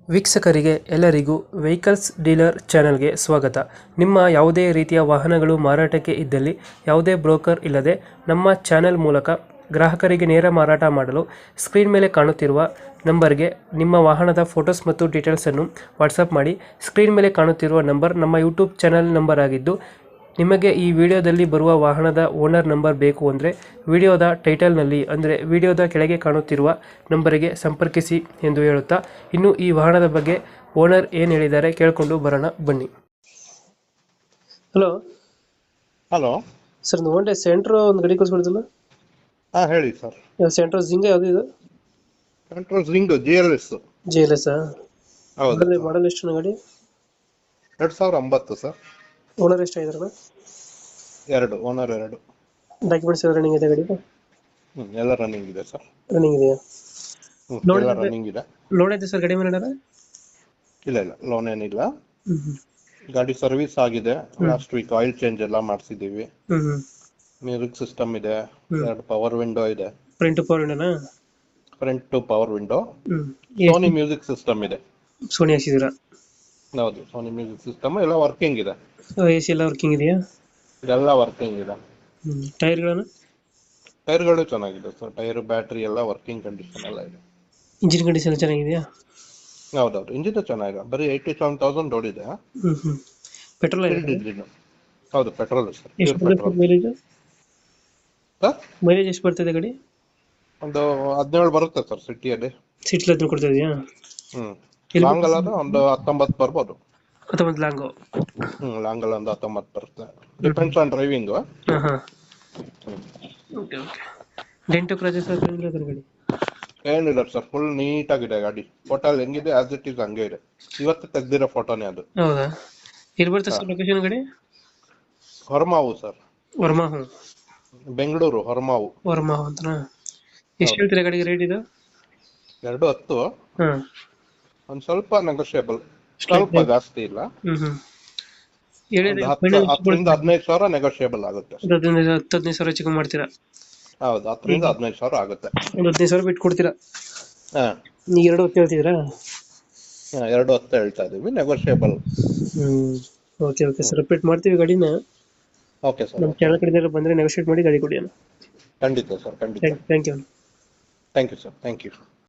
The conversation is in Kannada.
ವೀಕ್ಷಕರಿಗೆ ಎಲ್ಲರಿಗೂ ವೆಹಿಕಲ್ಸ್ ಡೀಲರ್ ಚಾನೆಲ್ಗೆ ಸ್ವಾಗತ. ನಿಮ್ಮ ಯಾವುದೇ ರೀತಿಯ ವಾಹನಗಳು ಮಾರಾಟಕ್ಕೆ ಇದ್ದಲ್ಲಿ ಯಾವುದೇ ಬ್ರೋಕರ್ ಇಲ್ಲದೆ ನಮ್ಮ ಚಾನೆಲ್ ಮೂಲಕ ಗ್ರಾಹಕರಿಗೆ ನೇರ ಮಾರಾಟ ಮಾಡಲು ಸ್ಕ್ರೀನ್ ಮೇಲೆ ಕಾಣುತ್ತಿರುವ ನಂಬರ್ಗೆ ನಿಮ್ಮ ವಾಹನದ ಫೋಟೋಸ್ ಮತ್ತು ಡೀಟೇಲ್ಸನ್ನು ವಾಟ್ಸಪ್ ಮಾಡಿ. ಸ್ಕ್ರೀನ್ ಮೇಲೆ ಕಾಣುತ್ತಿರುವ ನಂಬರ್ ನಮ್ಮ ಯೂಟ್ಯೂಬ್ ಚಾನೆಲ್ ನಂಬರ್ ಆಗಿದ್ದು, ನಿಮಗೆ ಈ ವಿಡಿಯೋದಲ್ಲಿ ಬರುವ ವಾಹನದ ಓನರ್ ನಂಬರ್ ಬೇಕು ಅಂದರೆ ವಿಡಿಯೋದ ಟೈಟಲ್ನಲ್ಲಿ ಅಂದರೆ ವಿಡಿಯೋದ ಕೆಳಗೆ ಕಾಣುತ್ತಿರುವ ನಂಬರಿಗೆ ಸಂಪರ್ಕಿಸಿ ಎಂದು ಹೇಳುತ್ತಾ, ಇನ್ನು ಈ ವಾಹನದ ಬಗ್ಗೆ ಓನರ್ ಏನು ಹೇಳಿದ್ದಾರೆ ಕೇಳಿಕೊಂಡು ಬರೋಣ ಬನ್ನಿ. ಹಲೋ ಹಲೋ ಸರ್, ಒಂದು ಹೋಂಡಾ ಸೆಂಟ್ರೋ ಒಂದು ಗಾಡಿ ಕಳಿಸ್ಕೊಡ್ತಿಲ್ಲ? ಹಾ ಹೇಳಿ ಸರ್. ಸೆಂಟ್ರೋ ಜಿಂಗ ಯಾವುದು ಇದು? Control ring GLS. JLS ಹೌದು. ಮಾಡಲ್ ಎಷ್ಟು ಗಾಡಿ? 2009 ಸರ್. ಓನರ್ ಎಷ್ಟು ಆಗಿದಾರಣ? ಓನರ್ 2. ಡಾಕ್ಯುಮೆಂಟ್ಸ್ ಎಲ್ಲ ರನ್ನಿಂಗ್ ಇದೆ ಗಾಡಿ? ಎಲ್ಲ ರನ್ನಿಂಗ್ ಇದೆ ಸರ್. ರನ್ನಿಂಗ್ ಇದೆಯಾ? ಎಲ್ಲ ರನ್ನಿಂಗ್ ಇದೆ. ಲೋನ್ ಐತೆ ಸರ್ ಗಾಡಿ ಮೇಲೆ? ಇಲ್ಲ ಲೋನ್ ಏನಿಲ್ಲ. ಗಾಡಿ ಸರ್ವಿಸ್ ಆಗಿದೆ. ಲಾಸ್ಟ್ ವೀಕ್ ಆಯಿಲ್ ಚೇಂಜ್ ಎಲ್ಲ ಮಾಡಿಸಿದೀವಿ. ಮ್ಯೂಸಿಕ್ ಸಿಸ್ಟಮ್ ಇದೆ. 2 ಪವರ್ ವಿಂಡೋ ಇದೆ. ಫ್ರಂಟ್ ಪವರ್ ವಿಂಡೋನಾ? Front two power window. Sony music system ಇದೆ. ಸೋನಿ ಹಾಕ್ಸಿದ್ದೀರಾ? ಹೌದು, ಸೋನಿ ಮ್ಯೂಸಿಕ್ ಸಿಸ್ಟಮ್ ಎಲ್ಲ ವರ್ಕಿಂಗ್ ಇದೆ. AC ಎಲ್ಲ ವರ್ಕಿಂಗ್ ಇದೆಯಾ? ಇದೆಲ್ಲ ವರ್ಕಿಂಗ್ ಇದೆ. ಟೈರ್ಗಳು ಚೆನ್ನಾಗಿದೆ ಸರ್. ಟೈರ್, ಬ್ಯಾಟ್ರಿ ಎಲ್ಲ ವರ್ಕಿಂಗ್ ಕಂಡೀಷನ್ ಎಲ್ಲ ಇದೆ. ಇಂಜಿನ್ ಕಂಡೀಷನ್ ಚೆನ್ನಾಗಿದೆಯಾ? ಹೌದೌದು, ಇಂಜಿನ್ ಚೆನ್ನಾಗಿದೆ. ಬರೀ 87,000 ಓಡಿದೆ. ಪೆಟ್ರೋಲ್ ಹೌದು, petrol sir. Mileage sir mileage ಎಷ್ಟು ಬರ್ತದೆ ಗಾಡಿ? ಒಂದು 17 ಬರುತ್ತೆ ಸರ್ ಸಿಟಿಯಲ್ಲಿ. ಸಿಟಿಲಿ ಅದನ್ನು ಕೊಡ್ತಾ ಇದೆಯಾ? ಲಾಂಗ್ ಅಲ್ಲ ಒಂದು 19 ಬರ್ಬೋದು. ಅಥವಾ ಒಂದು ಲಾಂಗು? ಲಾಂಗ್ ಅಲ್ಲ ಒಂದು 19 ಬರುತ್ತೆ. Depends on driving. Okay. Dent scratches ಗಾಡಿ ಏನಿಲ್ಲ ಸರ್, ಫುಲ್ ನೀಟ್ ಆಗಿದೆ ಗಾಡಿ. ಫೋಟೋ ಹೆಂಗಿದೆ ಆಸ್ ಇಟ್ ಇಸ್ ಹಂಗೆ ಇದೆ. ಇವತ್ತು ತೆಗ್ದಿರೋ ಫೋಟೋನೇ ಅದು. ಹೌದಾ? ಎಲ್ಲಿ ಬರ್ತದೆ ಸರ್ ಲೊಕೇಶನ್ ಗಾಡಿ? ಹೊರಮಾವು ಸರ್. ವರ್ಮಾವು? ಬೆಂಗಳೂರು ಹೊರಮಾವು. ವರ್ಮಾವು ಅಂತನಾ? ಎಷ್ಟು ಹೇಳ್ತೀರಾ ಗಾಡಿಗೆ ರೇಟ್ ಇದು? 210. ಒಂದ್ ಸ್ವಲ್ಪ ನೆಗೋಷಿಯಬಲ್, ಸ್ವಲ್ಪ ಜಾಸ್ತಿ ಇಲ್ಲ. 10,000 15,000 ಸಾವಿರ ನೆಗೋಷಿಯಬಲ್ ಆಗುತ್ತೆ. 15,000 ಹೆಚ್ಚು ಮಾಡ್ತೀರಾ? ಹೌದು, 10,000 15,000 ಆಗುತ್ತೆ. ಒಂದು 15,000 ಬಿಟ್ಟು ಕೊಡ್ತೀರಾ? ನೀವು 2 ಹೇಳ್ತಿದ್ದೀರಾ? 210 ಹೇಳ್ತಾ ಇದೀವಿ, ನೆಗೋಷಿಯಬಲ್. ಓಕೆ ಸರ್, ರಿಪೀಟ್ ಮಾಡ್ತೀವಿ ಗಾಡಿನ. Okay sir. ನಮ್ಮ ಚಾನಲ್ ಕಡೆಯಿಂದ ಬಂದರೆ ನೆಗೋಷಿಯೇಟ್ ಮಾಡಿ ಗಾಡಿ ಕೊಡಿ. ಖಂಡಿತ ಸರ್, ಖಂಡಿತ. Thank you. Thank you sir, thank you.